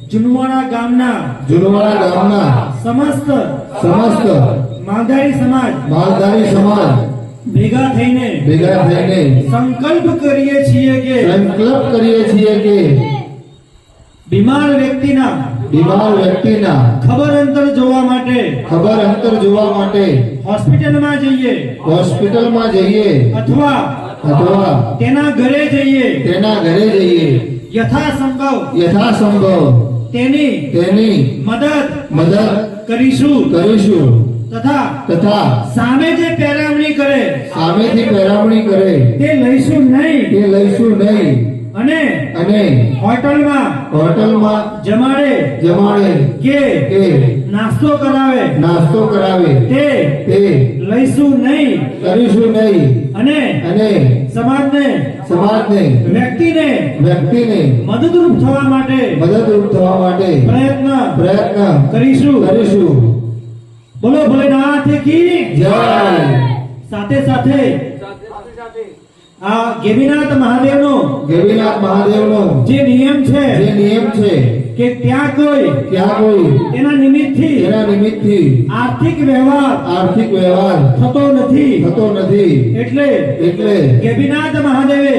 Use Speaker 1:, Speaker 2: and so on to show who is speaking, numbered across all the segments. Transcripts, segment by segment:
Speaker 1: જુનવાડા ગામના સમસ્ત માલધારી સમાજ ભેગા થઈને સંકલ્પ કરીએ છીએ કે બીમાર વ્યક્તિના ખબર અંતર જોવા માટે હોસ્પિટલમાં જઈએ અથવા તેના ઘરે જઈએ યથાસંભવ તેની મદદ કરીશું તથા સામે જે પેરામણી કરે તે લઈશું નહીં અને હોટલમાં જમાડે કે નાસ્તો કરાવે તે લઈશું નહીં અને સમાજને વ્યક્તિને મદદરૂપ થવા માટે પ્રયત્ન કરીશું। બોલો ભોલેનાથ કી જય। સાથે આ ગેવીનાથ મહાદેવનો જે નિયમ છે કે ત્યાં કોઈ તેના નિમિત્તથી આર્થિક વ્યવહાર થતો નથી। એટલે ગેવીનાથ મહાદેવે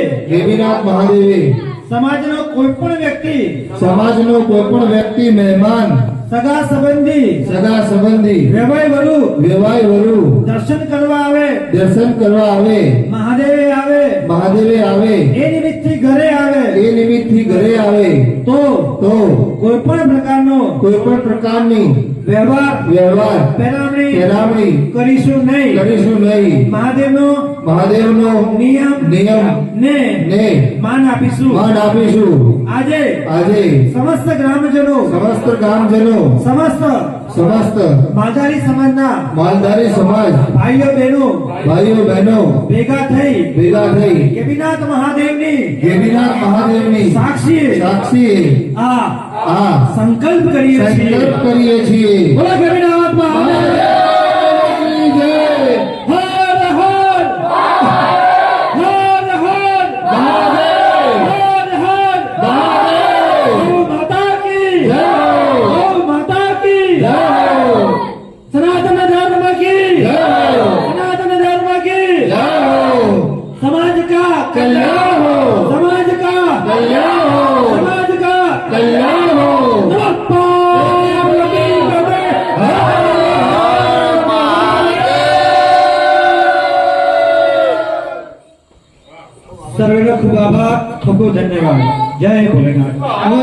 Speaker 1: સમાજનો કોઈ પણ વ્યક્તિ મહેમાન સગા સંબંધી વેવાય વરુ દર્શન કરવા આવે મહાદેવે આવે એ નિમિત્તથી ઘરે આવે તો કોઈ પણ પ્રકારની વ્યવહાર પેરામણી કરીશું નહીં। મહાદેવનો નિયમ ને માન આપીશું। આજે સમસ્ત ગ્રામજનો સમસ્ત માલધારી સમાજ ભાઈઓ બહેનો ભેગા થઈ ગેવીનાથ મહાદેવની સાક્ષી આ સંકલ્પ કરીએ છીએ। બોલો ગેવીનાથ મહાદેવ समाज का कल्याण हो। सर्वेનો ખૂબ આભાર, ખૂબ ધન્યવાદ। જય ભોલેનાથ।